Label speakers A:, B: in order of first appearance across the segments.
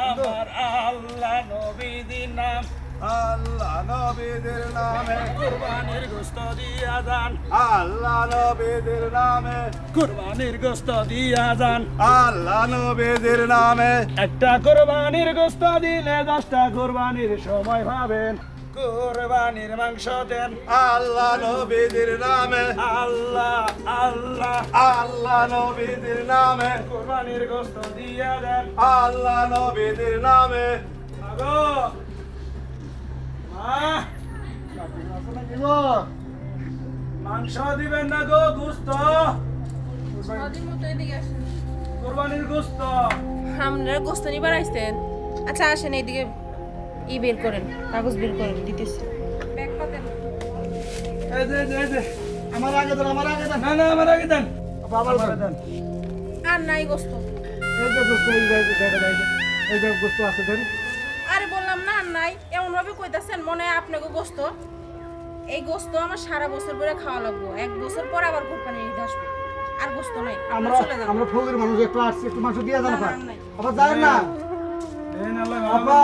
A: আমার আল্লাহ নবীদের নাম
B: আল্লাহ নবীদের নামে
A: কুরবানির গোশত দিয়া যান
B: আল্লাহ নবীদের নামে
A: কুরবানির গোশত দিয়া যান
B: আল্লাহ নবীদের নামে
A: একটা কুরবানির গোশত দিলে 10টা কুরবানির সময় পাবেন কুরবানির মাংস দেন
B: আল্লাহ নবীদের নামে
A: আল্লাহ আল্লাহ
B: আল্লাহ নবীদের নামে
A: কুরবানির গোশত দিয়া দেন
B: আল্লাহ নবীদের নামে
A: আগো মা মাংস দিবেন না গো গোশত কুরবানির গোশত
C: আপনারা গোস্ত নিবার আইছেন আচ্ছা আসেন এইদিকে বের করেন কাগজ বের করেন দিতেছি ব্যাগ পাতেন
A: এই যে
B: আমার আগে দেন
A: না না আমার আগে দেন
B: বাবার
A: দেন
C: আর নাই গোস্ত
B: এই যে গোস্ত এই যে গোস্ত আছে দেন
C: আরে বললাম না আর নাই এমন ভাবে কইতাছেন মনে হয় আপনাকে গোস্ত এই গোস্ত আমার সারা বছর ধরে খাওয়া লাগবো 1 বছর পর আবার কোরবানি ঈদ আসবে আর গোস্ত নাই
B: আমরা
C: চলে যান
B: আমরা ফকির মানুষ একটু আসছি একটু মাংস দিয়ে দেন
C: না, নাই।
B: আবার যায় না
A: দেন আল্লাহ
B: আপা।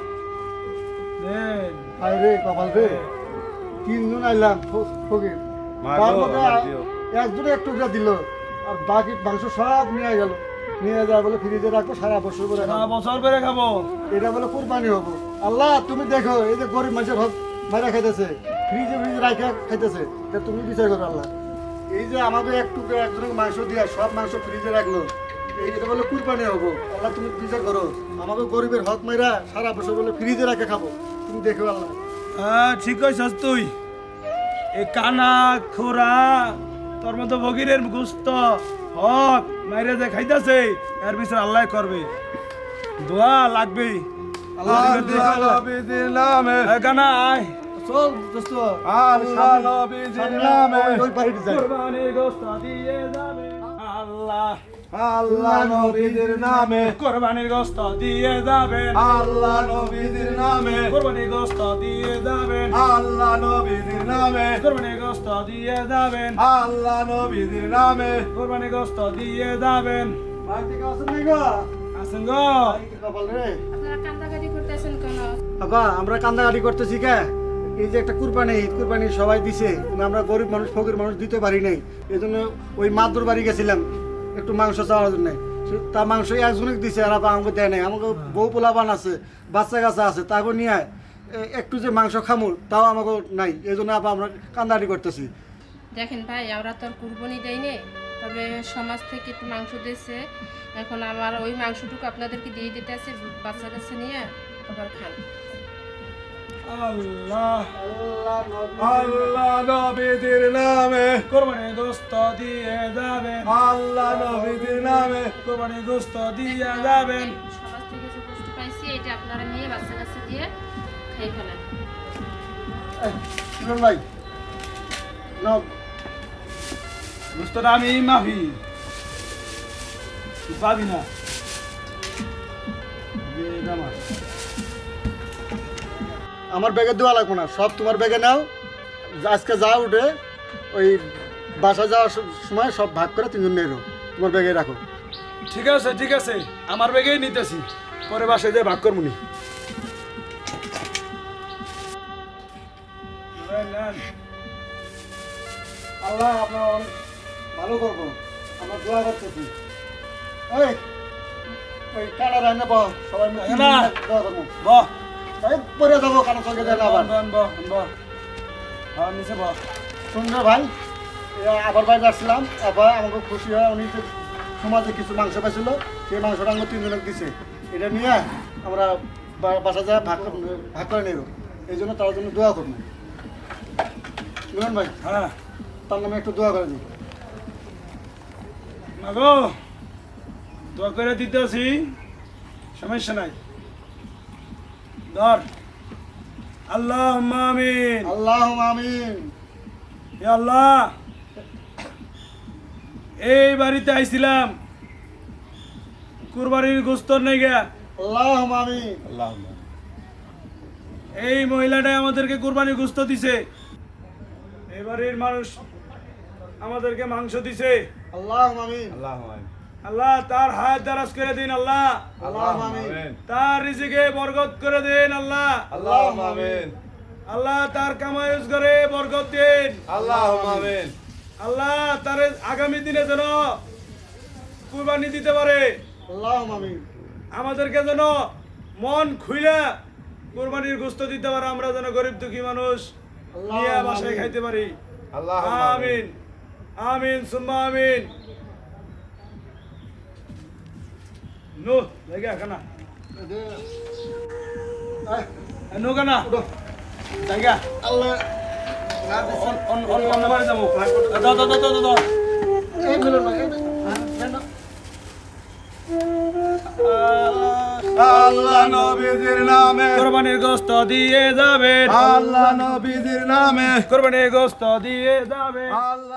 A: দেন
B: আরে রে কপাল রে তিনজন আইলাম ফকির তার মধ্যে একজনে একটু করে দিল আর বাকি মাংস সব নিয়ে গেল নিয়ে যায় বলে ফ্রিজে রাখবো সারা বছর করে
A: সারা
B: খাবো।
A: বছর করে খাবো
B: এটা বলে কুরবানি হবো আল্লাহ তুমি দেখো এই যে গরিব মানুষের হক মারা খাইতেছে ফ্রিজে রাখা খাইতেছে তা তুমি বিচার করো আল্লাহ এই যে আমাদের একটু করে একজনের মাংস দিয়ে সব মাংস ফ্রিজে রাখলো এটা বলে কুরবানি হবো আল্লাহ তুমি বিচার করো আমাকে গরিবের হক মাইরা সারা বছর বলে ফ্রিজে রাখে খাবো তুমি দেখো আল্লাহ
A: হ্যাঁ ঠিক কইছস তুই এ কানা খোরা তোর মতো ভগিরের গুস্ত হক মাইরে যে খাইতাছে এর বিচার আল্লাহ করবে দোয়া লাগবে
B: আল্লাহ
D: নবীজির নামে
A: এ কানা আয়
B: চল দোস্ত
D: আল্লাহ নবীজির নামে
B: ওই বাড়িতে যাই
A: কুরবানির গোশত দিয়ে যাবে আল্লাহ
D: আল্লাহ নবীজির নামে
A: কুরবানির গোশত দিয়ে যাবেন
D: আল্লাহ নবীজির নামে
A: কুরবানির গোশত দিয়ে যাবেন
D: আল্লাহ নবীজির নামে
A: কুরবানির গোশত দিয়ে যাবেন
D: আল্লাহ নবীজির নামে
A: কুরবানির গোশত দিয়ে যাবেন
B: বাড়ি থেকে আসেন নাই গো
A: আসেন গো
B: কপাল রে
C: আপনারা কান্দাকাটি করতেছেন কেন
B: বাবা আমরা কান্দাকাটি করতেছি কে এই যে একটা কুরবানি ঈদ কুরবানি সবাই দিছে কিন্তু আমরা গরিব মানুষ ফকির মানুষ দিতে পারি নাই এই জন্য ওই মাদুর বাড়ি গেছিলাম একটু মাংস চাওয়ার জন্য তা মাংস একজনকে দিছে আর আবার আমাকে দেয় নাই আমাকে বউ পোলাবান আছে বাচ্চা কাচ্চা আছে তাকে নিয়ে একটু যে মাংস খামু তাও আমাকে নাই এই জন্য আবার আমরা কান্দাকাটি করতেছি
C: দেখেন ভাই আমরা তো আর কুরবানি দেয়নি তবে সমাজ থেকে একটু মাংস দিয়েছে এখন আমার ওই মাংসটুকু আপনাদেরকে দিয়ে দিতে আছে বাচ্চা কাছে নিয়ে আবার খান
A: আল্লাহ
D: আল্লাহ নবীজির নামে
A: কুরবানির গোশত দিয়ে যাবেন
D: আল্লাহ নবীজির নামে
A: কুরবানির গোশত দিয়ে যাবেন
C: সমাজ থেকে যে কষ্ট পাইছি এটা আপনারা নিয়ে বাচ্চা কাছে দিয়ে খাই ফেলেন
B: শুনুন ভাই নাও
A: গোশতটা আমি মাফি তুই পাবি না দে আমার
B: আমার ব্যাগে দেওয়া লাগবো না সব তোমার ব্যাগে নাও আজকে যা উঠে ওই বাসা যাওয়ার সময় সব ভাগ করে তিনজন নেই তোমার ব্যাগে রাখো
A: ঠিক আছে আমার ব্যাগেই নিতেছি পরে বাসায় যেয়ে ভাগ করবো নি
B: আল্লাহ আপনার অনেক ভালো করবো আমার দোয়া করতেছি ওই ওই কানা রান্না পাও সবাই মিলে
A: না।
B: দোয়া করবো
A: বহ
B: এই পরে যাবো কানা সঙ্গে যাই না আবার
A: হ্যাঁ নিচে বহ
B: শুনবে ভাই আবার বাইরে আসছিলাম আবার আমাকে খুশি হয় উনি তো সমাজে কিছু মাংস পাইছিল সেই মাংসটা আমাকে তিনজনকে দিছে এটা নিয়ে আমরা বাসা যায় ভাগ করে নেব এই জন্য তার জন্য দোয়া করবো শুনুন ভাই
A: হ্যাঁ
B: তার নামে একটু দোয়া করে দিই
A: মাগো দোয়া করে দিতেছি সমস্যা নাই ধর আল্লাহ আমিন
B: আল্লাহ আমিন
A: হে আল্লাহ এই বাড়িতে আইছিলাম কুরবানির গোস্তর নাই গা
B: আল্লাহ আমিন
D: আল্লাহ
A: এই মহিলাটাই আমাদেরকে কুরবানির গোস্ত দিছে এই বাড়ির মানুষ আমাদেরকে মাংস দিছে
B: আল্লাহ আমিন
D: আল্লাহ
A: আল্লাহ তার হায়াত দারাজ করে দিন আল্লাহ
D: اللهم آمين
A: তার রিজিকে বরকত করে দিন আল্লাহ
D: اللهم آمين
A: আল্লাহ তার কামাই রোজগারে বরকত দিন
D: اللهم آمين
A: আল্লাহ তার আগামী দিনে যেন কুরবানি দিতে পারে
B: আল্লাহুম্মা আমিন।
A: আমাদেরকে যেন মন খুইলা কুরবানির গোশত দিতে পারে আমরা যেন গরিব দুঃখী মানুষ নিয়ে বাসায় খাইতে পারি
D: اللهم
A: আমিন আমিন সুম্মা আমিন নো জায়গা কানা নো কানা জায়গা
B: আল্লাহ না দিছে।
A: অন্য বাড়ি যাবো দাও দাও দাও দাও
B: এই মিলন ভাই, এই কেন?
D: আল্লাহ নবীজির নামে
A: কোরবানির গোশত দিয়ে যাবেন
D: আল্লাহ নবীজির নামে
A: কোরবানির গোশত দিয়ে যাবেন
D: আল্লাহ